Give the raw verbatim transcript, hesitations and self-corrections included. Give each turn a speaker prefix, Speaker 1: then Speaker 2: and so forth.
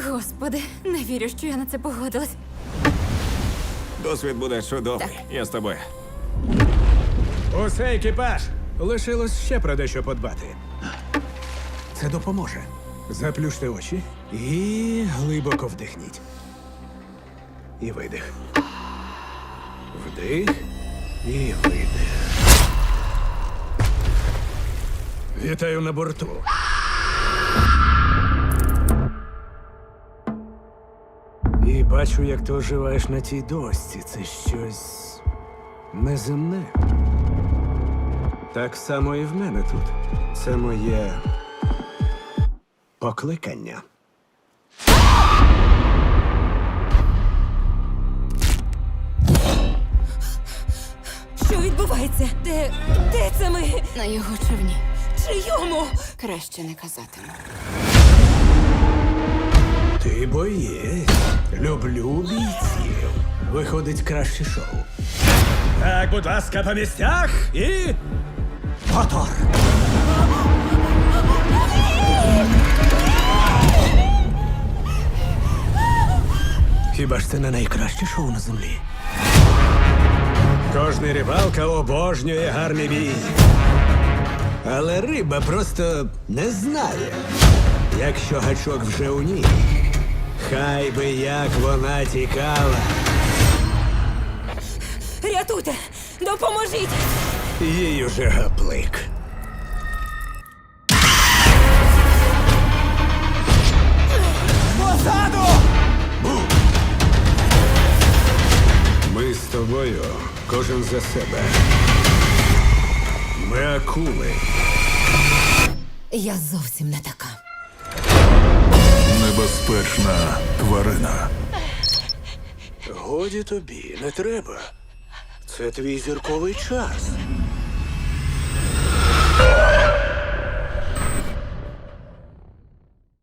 Speaker 1: Господи, не вірю, що я на це погодилась.
Speaker 2: Досвід буде чудовий.
Speaker 1: Так.
Speaker 2: Я з тобою.
Speaker 3: Усе, екіпаж! Лишилось ще про дещо подбати. Це допоможе. Заплющте очі і глибоко вдихніть. І видих. Вдих і видих. Вітаю на борту. І бачу, як ти оживаєш на тій дошці. Це щось неземне. Так само і в мене тут. Це моє покликання.
Speaker 1: Що відбувається? Де. де це ми?
Speaker 4: На його човні.
Speaker 1: Чийому?
Speaker 4: Краще не казатиму.
Speaker 3: Ти боєць. Люблю бійців. Виходить краще шоу. Так, будь ласка, по місцях і. Мотор! Хіба ж це не найкраще шоу на землі? Кожний рибалка обожнює гарний бій. Але риба просто не знає, якщо гачок вже у ній. Хай би як вона тікала.
Speaker 1: Рятуйте! Допоможіть!
Speaker 3: Їй уже гаплик. Позаду! Ми з тобою, кожен за себе. Ми акули.
Speaker 1: Я зовсім не така.
Speaker 5: Небезпечна тварина.
Speaker 3: Годі тобі, не треба. Це твій зірковий час.